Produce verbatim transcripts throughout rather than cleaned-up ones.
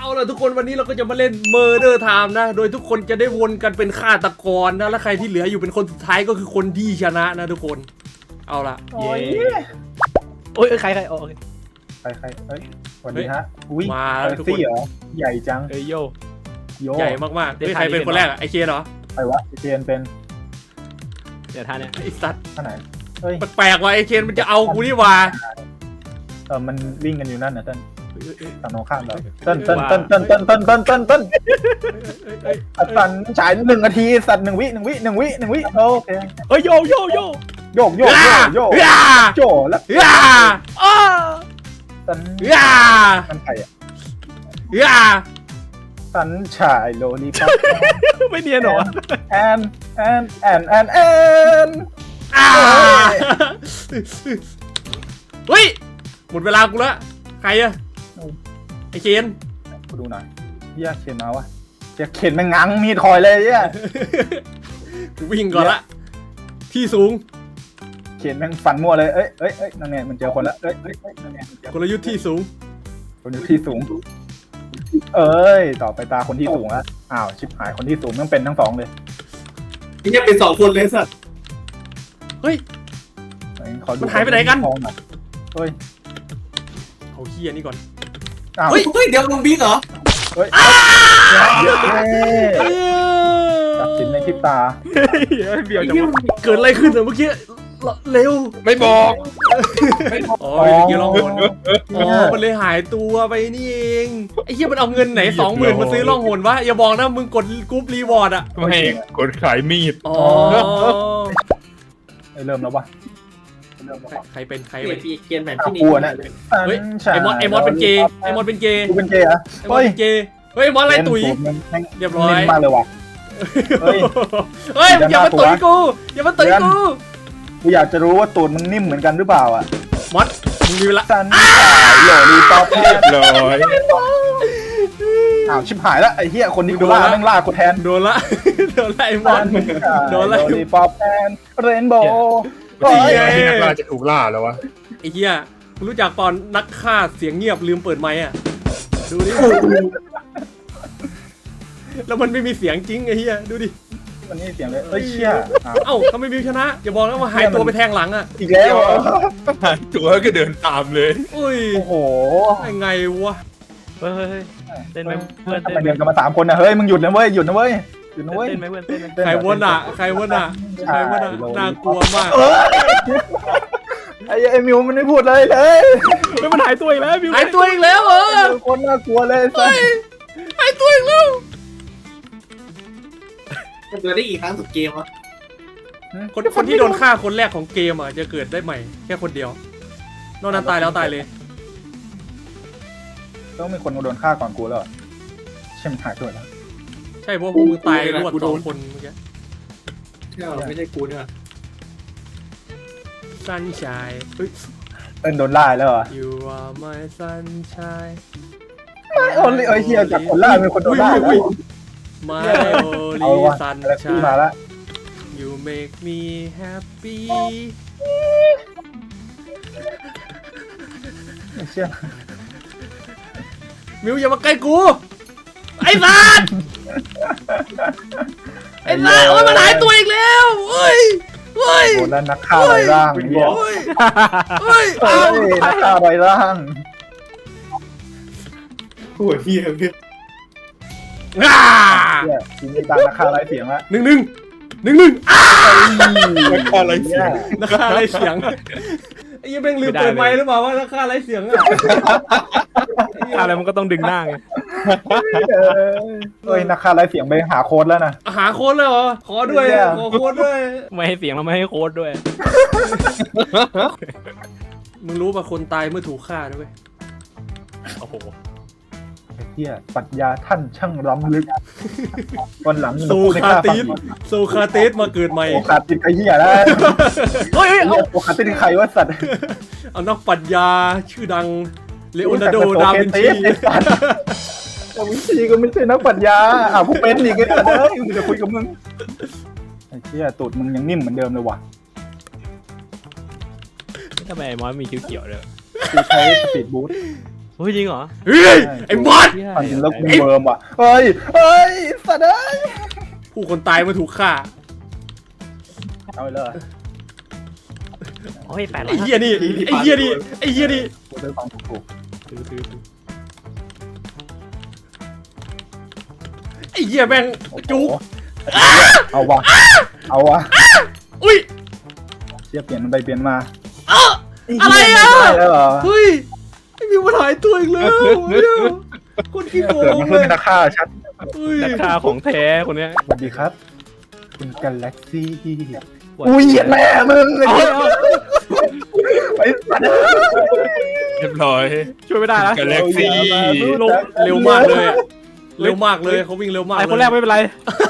เอาล่ะทุกคนวันนี้เราก็จะมาเล่น Murder Time นะโดยทุกคนจะได้วนกันเป็นฆาตกรนะและใครที่เหลืออยู่เป็นคนสุดท้ายก็คือคนที่ชนะนะทุกคนเอาล่ะโอ้ยโอ้ยใครใครโอเคใครใครเฮ้ยสวัสดีฮะอุ้ยมาเอแล้วอทุกคซี่นเหรอใหญ่จังเอ้ยโยโยใหญ่มากๆเฮ้ยใครเป็นคนแรกอะไอเคนเหรอใครวะเจนเป็นเดี๋ยวท่าเนี่ยไอสัตว์ท่าไหนเฮ้ยแปลกๆว่ะไอเคนมันจะเอากูนี่หว่าเออมันวิ่งกันอยู่นั่นนะเต้นฝั่งตรงข้ามเราเต้นเต้นเต้นเต้นเต้นเต้นเต้นเต้นเต้นสันฉายหนึ่งนาทีสัตว์หนึ่งวิหนึ่งวิหนึ่งวิหนึ่งวิโอเคเอ้ยโยโยโยโยกโยกโยกโยกย่าโจแล้วย่าอ้าสันย่ามันใครอ่ะย่าสันฉายโลลีป๊อปไม่เนียนเหรอวะแอนแอนแอนแอนแอนอ่าเฮ้ยหมดเวลากูแล้วใครอะไอเคนกูดูหน่อยเฮียเขียนมาวะเฮียเขียนมันงังมีดคอยเลยเฮียกูวิ่งก่อนละที่สูงเขียนแม่งฟันมั่วเลยเอ้ยเอ้ยเอ้ยนั่นไงมันเจอคนละเอ้ยเอ้ยเอ้ยนั่นไงมันเจอกลยุทธ์ที่สูงคนที่สูง เอ้ย ต่อไปตาคนที่สูงแล้วอ้าว ชิบหาย คนที่สูงต้องเป็นทั้งสองเลยนี่จะเป็นสองคนเลยสัตว์เฮ้ยขอดูมันหายไปไหนกันทองอยเฮ้ยเอาเฮียนี่ก่อนอ้าวเฮ้ยเฮ้ยเดี๋ยวมึงบิ๊กเหรอเฮ้ยตัดสินในพริบตาเบียวไอ้จังเหี้ยวะเกิดอะไรขึ้นอะเมื่อกี้เร็วไม่บอกอ๋อเมื่อกี้ร้องหนอ๋อมันเลยหายตัวไปนี่เองไอ้เฮียมันเอาเงินไหนสองหมื่นมาซื้อล่องหนวะอย่าบอกนะมึงกดกรุ๊ปรีวอร์ดอะไม่กดขายมีดอ๋อเฮ้ยเริ่มแล้ววะเริ่มแล้ววะใครเป็นใครเปลี่เป็ยนนปีเกียนแบบอ้าวที่นี่กลัวนะเฮ้ยไอมอสไอมอสเป็นเกย์ไอมอสเป็นเกย์กูเป็นเกย์เหรอไอมอสเป็นเกย์เฮ้ยไอมอสไล่ตุ๋ย เรียบร้อยเน้นมากเลยว่ะ เฮ้ยเฮ้ยอย่ามาตุ๋ยกูอย่ามาตุ๋ยกูกูอยากจะรู้ว่าตูดมึงนิ่มเหมือนกันหรือเปล่าอ่ะมอสมึงมีเวลาสันสายโหลลีป๊อปเรียบร้อยอ้าวชิบหายแล้วไอ้เหี้ยคนที่กูล่าแม่งล่ากูแทนโดนละโดนละไอมอส โดนแล้วโดนป๊อปแอนเรนโบว์ที่ที่นักล่าจะถูกล่าแล้ววะไอ้เหี้ยมึงรู้จักตอนนักฆ่าเสียงเงียบลืมเปิดไมค์อ่ะดูดิแล้วมันไม่มีเสียงจริงไอ้เหี้ยดูดิมันนี่เสียงเลยเอ้ยเชี่ยอ้าวเอ้าทำไมมิวชนะอย่าบอกนะว่าหายตัวไปแทงหลังอ่ะอีกแล้วเหรอหายตัวก็เดินตามเลยอุ้ยโอ้โหยังไงวะเฮ้ยเฮ้ยเต้นไหมเพื่อนทำเต้นไมไหมเดินกันมาสามคนนะเฮ้ยมึงหยุดนะเว้ยหยุดนะเว้ยหยุดนะเว้ยเต้นไหมเพื่อนเต้นไหมใครวะน่ะใครวะน่ะใครวะน่ะน่ากลัวมากเออไอ้ไอ้มิวมันไม่พูดเลยเลยเฮ้ยมันหายตัวอีกแล้วบิวหายตัวอีกแล้วเหรอคนน่ากลัวเลยสัสหายตัวอีกแล้วมันเจอได้อีกครั้งสุดเกมวะคนคนที่โดนฆ่าคนแรกของเกมอ่ะจะเกิดได้ใหม่แค่คนเดียวนอกนั้นตายแล้วตายเลยต้องมีคนโดนฆ่าก่อนกูแล้วใช่มันหายตัวแล้วใช่เพราะพวกมึงตายรวดสองคนเมื่อกี้ใช่ไม่ใช่กูเนี่ย Sunshine เฮ้ยเต้นโดนล่าแล้วเหรอ You are my sunshine ไม่โอ้ยไอ้เฮียจากคนล่าเป็นคนโดนล่าอุ้ยแล้ว My เอา only วะอะไรขึ้นมา sunshine ละ You make me happy ไอ้เชี่ยมิวอย่ามาใกล้กู ไอ้สัสไอ้สัสโอ้ยมันหายตัวอีกแล้วเฮ้ยเฮ้ยโอ้แล้วนักฆ่าไรร่างเฮียเฮ้ยเฮ้ยเฮ้เอายนักฆ่าไรร่างหัวเฮียเพื่อนอ่าเฮียทีนี้ตามนักฆ่าไรเสียงละหนึ่งหนึ่งหนึ่งหนึ่งอ่านักฆ่าไร้เสียงนักฆ่าไรเสียงไอ้ยังแม่งลืมเปิดไมค์หรือเปล่าว่านักฆ่าไรเสียงอะอะไรมันก็ต้องดึงหน้าไงเฮ้ยนักฆ่าไรเสียงไปหาโค้ดแล้วนะหาโค้ดเลยเหรอขอด้วยเนี่ยขอโค้ดด้วยไม่ให้เสียงแล้วไม่ให้โค้ดด้วยมึงรู้ป่ะคนตายเมื่อถูกฆ่าด้วยโอ้โหเฮียปรัชญาท่านช่างล้ำลึกวันหลังโซคาติสโซคาติสมาเกิดใหม่โอคาติสไอ้เฮียแล้วเฮ้ยเฮ้ยเอาโอคาติสใครวะสัตว์เอานักปรัชญาชื่อดังเลโอนาร์โด ดาวินชีดาวินชีก็ไม่ใช่นักปรัชญาอ่ะผู้เป็นอีกไอ้สัตว์เอ้ยกูจะคุยกับมึงไอ้เฮียตูดมึงยังนิ่มเหมือนเดิมเลยว่ะทำไมไอ้มอสมีคิ้วเขียวเลยกูใช้สปีดบูทเฮ้ยจริงเหรอเฮ้ยไอ้บอสฟันถึงแล้วกูเบิร์มว่ะเฮ้ยเฮ้ยสัตว์เอ้ยผู้คนตายมาถูกฆ่าเอาไปเลยโอ้ยแปดร้อไอ้ยเหี้ยนี่ไอ้เหี้ยนี่ไอ้เหี้ยนี่กูซื้อของถูกถือถือถือไอ้เหี้ยแม่งๆโอ้โหจุกเอาวะเอาวะอุ้ยเชี่ยเปลี่ยนมันไปเปลี่ยนมาเอ้า อะไรอะได้แล้วเหรอเฮ้ยไอ้มิวมันหายตัวอีกแล้วคนขี้โกเกิดงมันเลเพื่อนยเป็นนักฆ่าชัดเฮ้ยราคาของแท้คนเนี้ยสวัสดีครับ คุณกาแล็กซี่อุ้ยเหยียดแม่มึงไอ้เอาเหี้ยเอาไอ้สัตว์เรียบร้อยช่วยไม่ได้นะกาแล็กซี่ลงเร็วมากเลยอะเร็วมากเลยเขาวิ่งเร็วมากไอเลยคนแรกไม่เป็นไร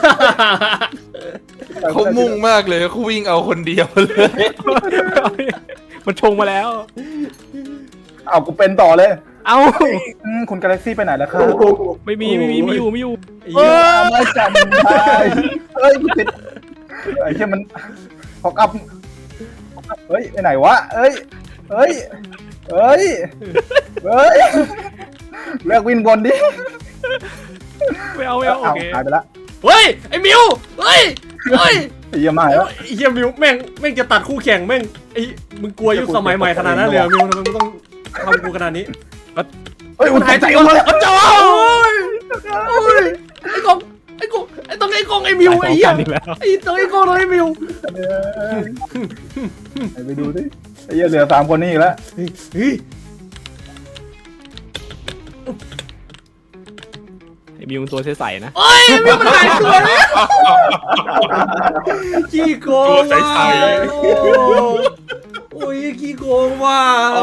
เขามุ่งมากเลยเขาวิ่งเอาคนเดียวเลยมันชงมาแล้วเอากูเป็นต่อเลยเอ้าอืมคุณกาแล็กซี่ไปไหนแล้วครับไม่มีไม่มีไม่อยู่ไม่อยู่ไอ้เอเหี้ยอไม่จันได้เฮ้ยกูติดไอ้เชี่ยมันพอกลับเฮ้ยไปไหนวะเฮ้ยเฮ้ยเฮ้ยเฮ้ยเลิกวินบนดิไม่เอาไม่เอาโอเอาเคหายไปละเฮ้ยไอ้มิวเฮ้ยเฮ้ยไอ้เหี้ยมาแล้วไอ้เหี้ยมิวแม่งแม่งจะตัดคู่แข่งแม่งไอ้มึงกลัวยุคสมัยใหม่ขนาดนั้นเลยเหรอมิวทำไมมึงต้องทำกูขนาดนี้เฮ้ยมันหาหาย ยใจใจออกมามาแล้วจ้าโอ้ยโอ้ยไอ้กองไอ้กองไอ้ต้องไอ้กองไอ้มิวไอ้เหี้ยอีกแล้วไอ้ต้องไอ้กองต้องไอ้มิวไปดูดิไอ้เหี้ยเหลือสามคนนี่อีกแล้วเฮ้ยเฮ้ยไอ้มิวมันตัวใสๆนะโอ้ยมิวมันหายตัวแล้วขี้โกงตัวใสว่ะๆโอ้ยขี้โกงว่ะ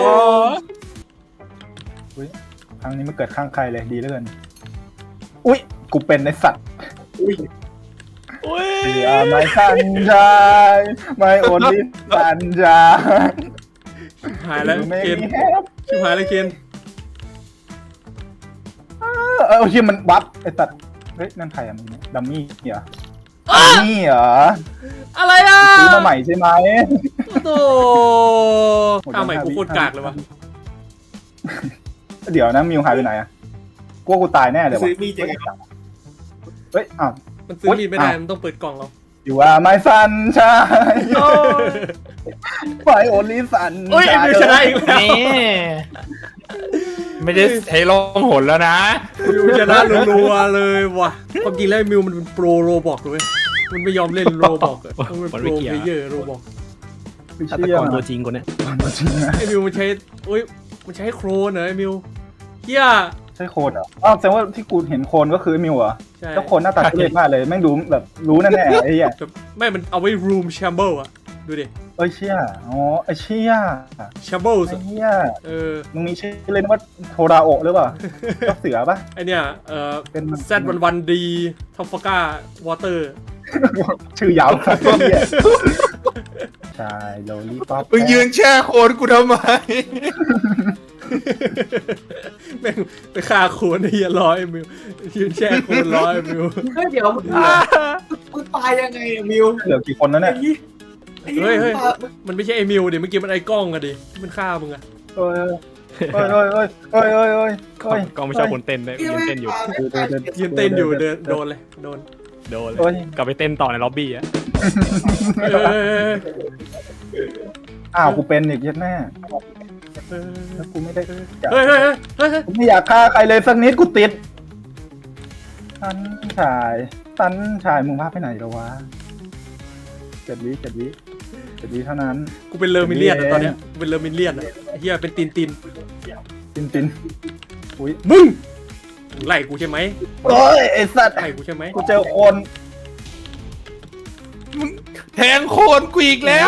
ครั้งนี้มันเกิดข้างใครเลยดีเหลือเกินอุ้ยกูเป็นไอ้สัตว์อุ้ยโอ้ย You are my sunshine my only sunshine หายแล้ว You make เคน me happy ชิบหายแล้วเคนเออเออเฮียมันวับไอ้สัตว์เฮ้ยนั่นใครอะมึงเนี่ยดัมมี่เหรอดัมมี่เหรออะไรอ่ะซื้อมาใหม่ใช่ไหมโตข้าวใหม่กูโคตรกากเลยวะเดี๋ยวนะมิวหายไปไหนอะกลัวกูตายแน่เลยวะซื้อมีดยังไงเฮ้ยอ้าวมันซื้อมีดไม่ได้มันต้องเปิดกล่องเรา You are my sunshine my only sunshine โอ้ยไอ้มิวชนะอีกแล้วไม่ได้ใช้ล่องหนแล้วนะมิวชนะรัวๆเลยว่ะความจริงแล้วไอ้มิวมันเป็นโปรโรบอกเลยมันไม่ยอมเล่นโรบอกอะมันเป็นโปรเพลเยอร์โรบอกไม่ฆาตเชื่กอรมันตัวจริงคนเนี้ยจริงนะไอ้มิวมันใช้โอ้ยมันใช้โครนเหรอไอ้มิวเฮียใช่โคนเหรออ้าวแสดงว่าที่กูเห็นโคนก็คือไอ้มิวเหรอใช่แล้วโคนหน้าตาทุเรศมากเลยแม่งดูแบบรู้แน่ๆไอ้เหี้ยแบบไม่มันเอาไว้ room chamber อะดูดิเอ้ยเชี่ยอ๋อไอ้เชี่ย chamber ไอ้เหี้ยเออมึงมีชื่อเล่นว่าโทราโอะหรือเปล่าเจ้าเสือปะไอเนี่ยเอ่อเป็นมันแซดวันวันดีท็อปฟาก้าวอเตอร์ชื่อยาวสักเหี้ยใช่โลลี่ป๊อปมึงยืนแช่โคนกูทำไมแม่งไปฆ่าโคนไอ้เหี้ยร้อยมิวยืนแช่โคนร้อยมิวเฮ้ยเดี๋ยวมึงมึงตายยังไงอะมิวเหลือกี่คนแล้วเนี่ยไอ้เฮ้ยเฮ้ยตามันไม่ใช่ไอ้มิวดิเมื่อกี้มันไอ้กล้องอะดิมันฆ่ามึงอะเอ้ยเอ้ยเอ้ยเอ้ยเอ้ยเอ้ยเอ้ยกล้องกล้องไม่ชอบคนเต้นเลยยืนเต้นอยู่ยืนเต้นอยู่เดินโดนเลยโดนโดนเลเอ้ยยกลับไปเต้นต่อในล็อบบี้อะเอออ้าวกูเป็นอีกยัดแม่เออแล้วกูไม่ได้เฮ้ยเฮ้ยเฮ้ยเฮ้ยเฮ้ยกูไม่อยากฆ่าใครเลยสักนิดกูติดสันชายสันชายมึงพาไปไหนแล้ววะเจ็ดวิเจ็ดวิเจ็ดวิเท่านั้นกูเป็นเลอร์มิเลียนอะตอนเนี้ยกูเป็นเลอร์มิเลียนอะไอ้เหี้ยเป็นตีนตีนตินตินอุ้ยมึงมึงไล่กูใช่ไหมโอ้ยไอ้สัตว์ไล่กูใช่ไหมกูเจอคนแทงโคนกูอีกแล้ว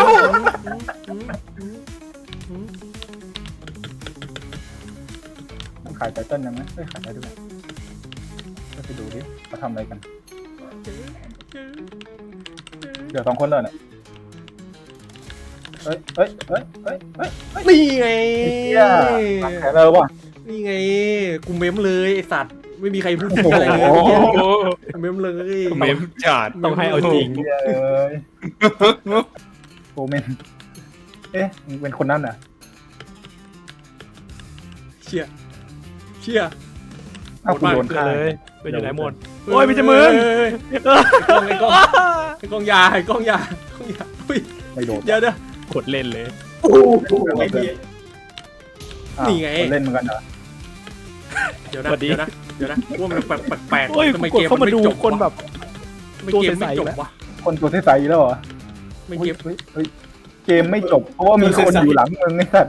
ขายไตเติ้ลยังไหมเฮ้ยขายได้ด้วยก็ไปดูดิเขาทำอะไรกัน เดี๋ยวสองคนเลยเนี่ยเฮ้ยเฮ้ยเฮ้ยเฮ้ยเฮ้ยนี่ไงเฮียตัดแขนเลยว่ะนี่ไงกูเมมเลยไอสัตว์ไม่มีใครพูดถึงอะไรเลยโอ้โหเมมเลยเมมจัดต้องให้เอาจริงเฮียเอ้ยโอเมนเอ๊ะมึงเป็นคนนั้นน่ะเชี่ยเชี่ยถ้ากูโดนเกิดฆ่าเลยเป็นอยู่ไหนหมดโอ้ยไม่ใช่มึงเฮ้ยไอ้กล้องไอ้กล้องไอ้กล้องยาไอ้กล้องยาไอ้กล้องยาอุ้ยไม่โดนเดี๋ยวเดี๋ยวกดเล่นเลยโอ้โหไอ้เหี้ยอ้าวนี่ไงคนเล่นเหมือนกันเหรอเดี๋ยวนะเดี๋ยวนะเดี๋ยวนะว่ามันแปลกแปลกโอ้ยทำไมกดเกมเข้ามันมาไม่ดูจบคนวะแบบทำไมเกมไม่จบวะคนตัวใสๆแล้วเหรอไม่เฮ้เกยมเฮ้ยเฮ้ยเกมไม่จบเพราะว่ามีคนอยู่หลังมึงไอ้สัตว์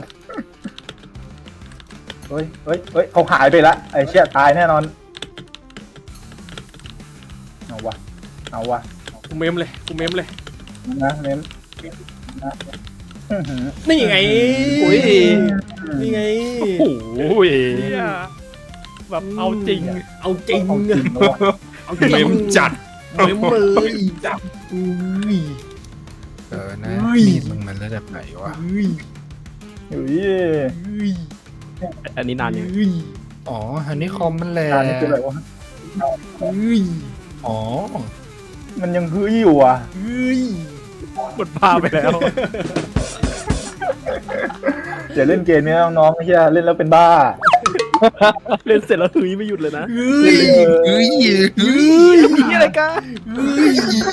เฮ้ยเฮ้ยเฮ้ยเขาหายไปละไอ้เชี่ยตายแน่นอนเอาวะเอาวะกูเมมเลยกูเมมเลยนะเน้นนะอื้อหือนี่ไงอุ้ยนี่ไงโอ้ยเนี่ยแบบเอาจริงเอาจริงเอาจริงแล้ววะเอาจริงเมมจัดเมมเลยจับอุ้ยเออนะเฮ้ยมีดมึงมันระดับไหนวะอุ้ยเฮ้ยอุ้ยอันนี้นานยังอุ้ยอ๋ออันนี้คอมมันแหละการนี้คืออะไรวะอุ้ยอ๋อมันยังฮืออยู่อ่ะอุ้ยหมดพาไปแล้วอย่าเล่นเกมนี้น้องๆไอ้เหี้ยเล่นแล้วเป็นบ้าเล่นเสร็จแล้วหืยไม่หยุดเลยนะอุ้ยเฮ้ยเฮ้ยนี่อะไรกันอุ้ย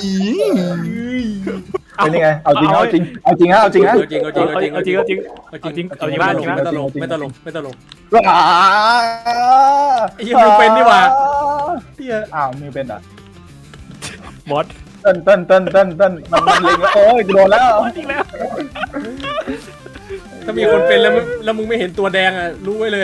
เป็นยังไงเอาจริงเอาจริงเอาจริงฮะเอาจริงฮะเอาจริงเอาจริงเอาเอาจจริริงงเอาจริงเอาจริงเอาจริงไม่ตลกเอาจริงไม่ตลกไม่ตลกไม่ตลกว้าไอ้เหี้ยมิวเป็นนี่หว่า เตี้ยอ้าวมิวเป็นอ่ะมอสเต้นเต้นเต้นเต้นเต้นมันมันเล็งแล้วโอ้ยโดนแล้วจริงแล้วถ้ามีคนเป็นแล้วมึงแล้วมึงไม่เห็นตัวแดงอ่ะรู้ไว้เลย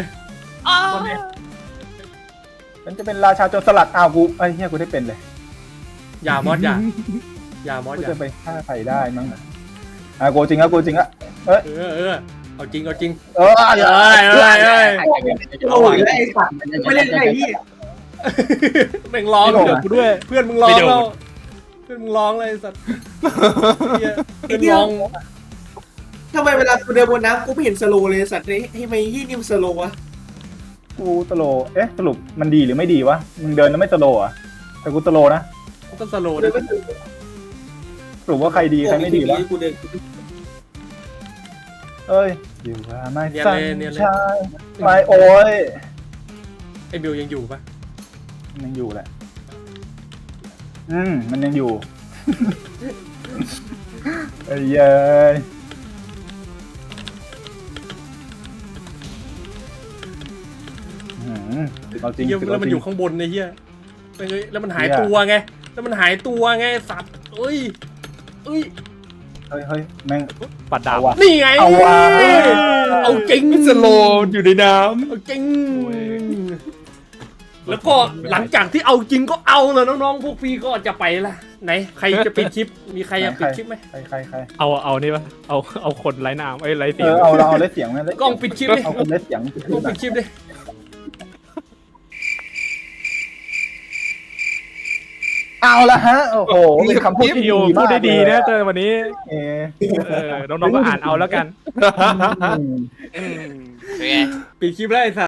มันจะเป็นราชาโจรสลัดอ้าวกูไอ้เหี้ยกูได้เป็นเลยอย่ามอสอย่าอย่ามอสกูอย่าจะไปฆ่าใครได้มั้งอ่ะอ่ะกูจริงอ่ะกูจริงอ่ะเอ้ยเออเออเอาจริงเอาจริงเออเอ้ยเอ้ยเอ้ยเอ้ยโอ้ยไอ้สัตว์ไม่เล่นไอ้พี่แม่งร้องเดือดกูด้วยเพื่อนมึงร้องแล้วเพื่อนมึงร้องเลยไอ้สัตว์เหี้ยเพื่อนร้องทำไมเวลากูเดินบนน้ำกูไม่เห็นสโลว์เลยสัตว์นี่ทำไมที่นี่มันสโลว์วะกูตโลเอ๊ะสรุปมันดีหรือไม่ดีวะมึงเดินแล้วไม่ตโลอ่ะแต่กูตโลนะก็สโลว์เดินะนไม่ถึงสรุปว่าใครดีใครไม่ดีวะกูเดินเอ้ยอยู่ว่าไม่เนียนสั่นเลยเนียนเลยชายไม่โอ้ยไอ้บิวยังอยู่ปะมันยังอยู่แหละอืมมันยังอยู่ไอ้เย้ยอืมเอาจริงเหี้ยสิแล้วมันเาจริงอยู่ข้างบนไอ้เหี้ยไปเลยแล้วมันหายตัวไงแล้วมันหายตัวไงสัตว์เอ้ยเอ้ยเฮ้ยเฮ้ยแม่งปัดดาเอาววะนี่ไงเอาว่ะเอ้ยเอาจริงสโลว์อยู่ในน้เอาจริงแล้วก็หลังจากที่เอาจริงก็เอาเลยน้องๆพวกพี่ก็จะไปละไหนใครจะปิดคลิปมีใครอยากปิดคลิปไหมใครใครใครเอาเอานี่ปะเอาเอาคนไร้น้ำไอ้ยไร้เอเสียงอเอาเราเอาเล่นเสียงไหมเล่นกล้องปิดคลิปดิเอาคนเล่นเสียงกล้องปิดคลิปดิเอาละฮะโอ้โหเป็นคำพูดที่พี่ดีโยมากพูดได้ดีนะเลยเจอวันนี้เออเออน้องๆก็อ่านเอาแล้วกันอืมปิดคลิปแล้วไอ้สัส